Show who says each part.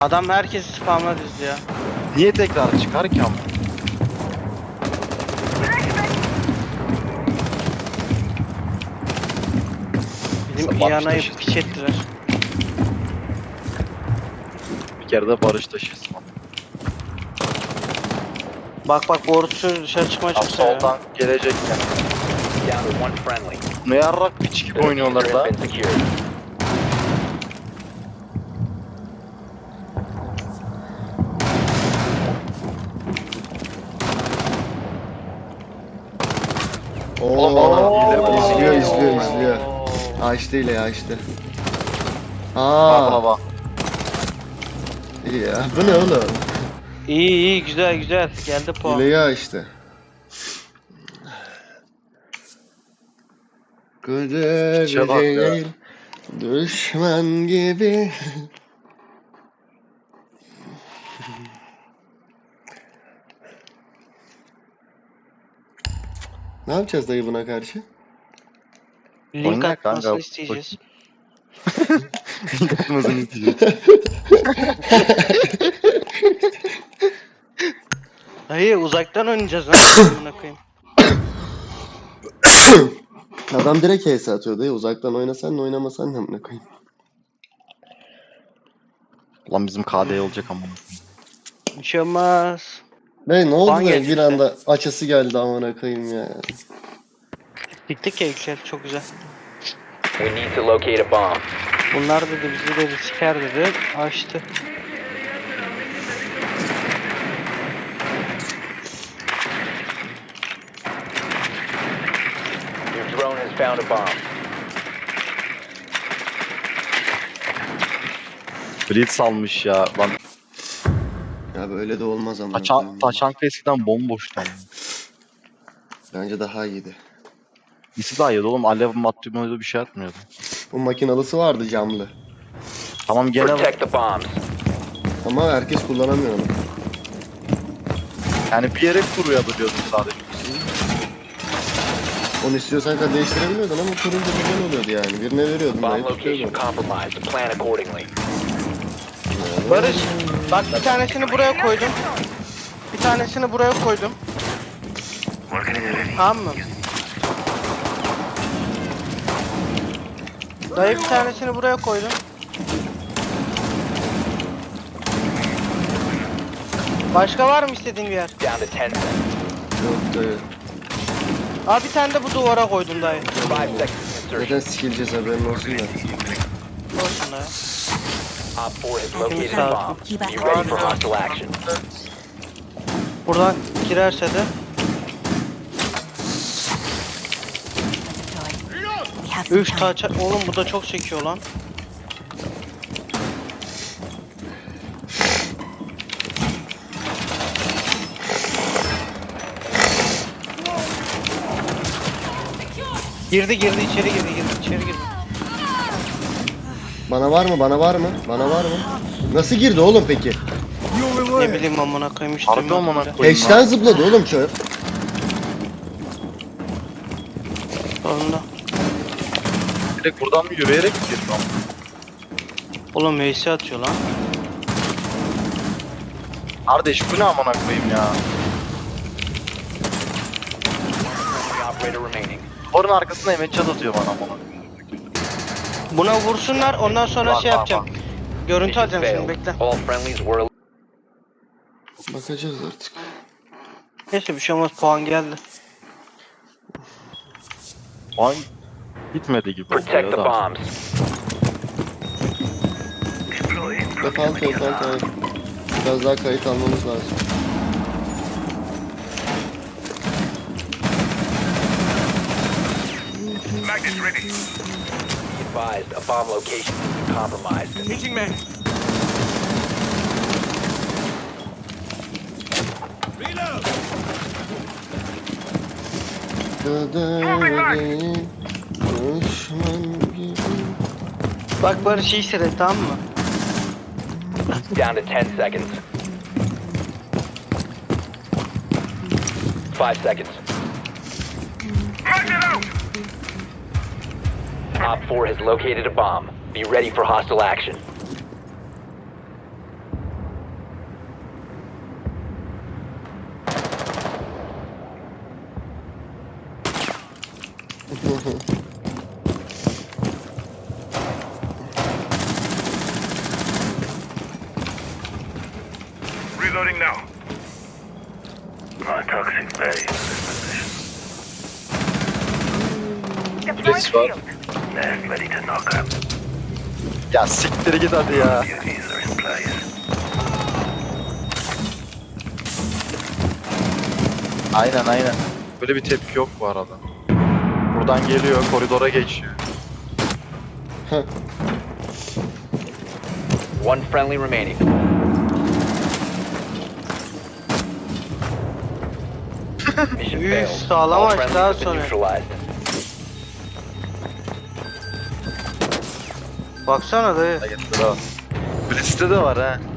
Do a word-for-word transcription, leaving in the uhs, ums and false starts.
Speaker 1: Adam herkesi spamla dizdi ya.
Speaker 2: Niye tekrar çıkar ki ama?
Speaker 1: Bizim
Speaker 2: Barış
Speaker 1: İyana'yı
Speaker 2: taşısı.
Speaker 1: piç ettiler.
Speaker 2: Bir kere de barış taşıyız.
Speaker 1: Bak bak borusu dışarı çıkmaya
Speaker 2: Tam
Speaker 1: çıksa ya.
Speaker 2: soldan gelecek yani.
Speaker 3: Down to one friendly.
Speaker 2: Ne yarrak piç gibi oynuyorlar
Speaker 3: Diffuser
Speaker 2: da.
Speaker 3: has been secured.
Speaker 2: Oğlum adam hile
Speaker 4: Oo,
Speaker 2: bu.
Speaker 4: izliyor
Speaker 2: Oo.
Speaker 4: izliyor izliyor. Açtı ile açtı.
Speaker 2: Baba
Speaker 4: Aa,
Speaker 2: baba.
Speaker 4: iyi ya. Bu ne oğlum?
Speaker 1: İyi iyi güzel güzel. Geldi puan.
Speaker 4: Hileyi açtı. Kader
Speaker 2: Piçe bak ya.
Speaker 4: değil, düşman gibi. Ne yapacağız dayı buna karşı?
Speaker 1: Link
Speaker 2: Oyna
Speaker 1: atmasını
Speaker 2: kanka.
Speaker 1: isteyeceğiz.
Speaker 2: Yapmasını isteyeceğiz.
Speaker 1: Hayır uzaktan oynayacağız lan. Amına koyayım.
Speaker 4: Adam direkt H S atıyor dayı. Uzaktan oynasan da oynamasan da amına koyayım.
Speaker 2: Lan bizim K D olacak ama.
Speaker 1: Bir şey olmaz.
Speaker 4: Dayı ne oldu
Speaker 1: Puan
Speaker 4: da
Speaker 1: geldi
Speaker 4: bir
Speaker 1: işte.
Speaker 4: anda açısı geldi amına koyayım ya.
Speaker 1: Bitti ki Excel çok güzel.
Speaker 3: We need to locate a bomb.
Speaker 1: Bunlar dedi bizi dedi siker dedi. Açtı.
Speaker 3: Your drone has found a bomb.
Speaker 2: Blitz almış ya. Lan
Speaker 4: Ya böyle de olmaz amına
Speaker 2: taçan,
Speaker 4: koyayım.
Speaker 2: taçanka eskiden bomboştu ama.
Speaker 4: Bence daha iyiydi.
Speaker 2: İkisi daha iyiydi oğlum. Alev maddumuydu bir şey atmıyordu.
Speaker 4: Bu makinalısı vardı camlı.
Speaker 2: Tamam gene
Speaker 3: Protect the bombs.
Speaker 4: Ama herkes kullanamıyor onu.
Speaker 2: yani bir yere kuruyabiliyordum sadece.
Speaker 4: Onu istiyorsan da değiştirebiliyordun ama kurunca güzel oluyordu yani. Birine veriyordun
Speaker 3: Bomb
Speaker 4: dayı
Speaker 3: location
Speaker 4: tutuyordu.
Speaker 3: compromised. Plan accordingly.
Speaker 1: Barış bak bir tanesini buraya koydum. Bir tanesini buraya koydum. Tamam mı? Dayı bir tanesini buraya koydum. Başka var mı istediğin bir yer?
Speaker 3: Down to ten seconds.
Speaker 4: Yok dayı.
Speaker 1: Abi bir tane de bu duvara koydum dayı.
Speaker 3: Five seconds
Speaker 4: Zaten
Speaker 3: insertion.
Speaker 4: sikileceğiz haberin olsun da.
Speaker 1: Olsun dayı.
Speaker 3: Op four has located a bomb. Be ready for hostile action.
Speaker 1: Buradan girerse de üf taç oğlum bu da çok çekiyor lan. Girdi girdi içeri girdi girdi içeri girdi.
Speaker 4: Bana var mı? Bana var mı? Bana var mı? Nasıl girdi oğlum peki?
Speaker 1: Ne bileyim amına koyayım işte.
Speaker 2: Harbi amına koyayım
Speaker 4: Hatch'ten
Speaker 2: lan.
Speaker 4: zıpladı oğlum çöp.
Speaker 1: Sonunda.
Speaker 2: Direkt buradan mı yürüyerek mi giriyor?
Speaker 1: Oğlum Veysi atıyor lan.
Speaker 2: Kardeş bu ne amına koyayım ya?
Speaker 3: Friendly operator remaining.
Speaker 2: Duvarın arkasında emet çat atıyor bana amına koyayım.
Speaker 1: Buna vursunlar ondan sonra
Speaker 2: Bak,
Speaker 1: şey
Speaker 2: bak,
Speaker 1: yapacağım. Görüntü
Speaker 3: Mission
Speaker 1: alacağım şimdi
Speaker 3: failed.
Speaker 1: bekle.
Speaker 3: All friendlies were
Speaker 4: Bakacağız artık.
Speaker 1: Neyse bir şey olmaz puan geldi.
Speaker 2: Ay gitmedi gibi oldu
Speaker 3: protect
Speaker 2: ya
Speaker 3: the
Speaker 2: da.
Speaker 3: bombs.
Speaker 4: Defalt defalt evet. Biraz daha kayıt almamız lazım.
Speaker 3: Advised, a bomb location is compromised.
Speaker 4: Kader değil, düşman gibi.
Speaker 1: Bak Barış iyi seyret tamam mı?
Speaker 3: Down to ten seconds. Five seconds. Op four has located a bomb. Be ready for hostile action.
Speaker 5: Reloading now. My toxic bay.
Speaker 2: Kulesi var.
Speaker 5: Last ready to knock up.
Speaker 2: Ya siktir git hadi ya.
Speaker 5: Duties are in place.
Speaker 2: Aynen aynen. Böyle bir tepki yok bu arada. Buradan geliyor, koridora geçiyor.
Speaker 3: One friendly remaining. Mission
Speaker 1: Üf,
Speaker 3: failed.
Speaker 1: sağlam
Speaker 3: All
Speaker 1: açtı
Speaker 3: friendlies
Speaker 1: ha
Speaker 3: have been
Speaker 1: sonra.
Speaker 3: neutralized.
Speaker 1: Baksana dayı.
Speaker 2: Kulesinde de var ha.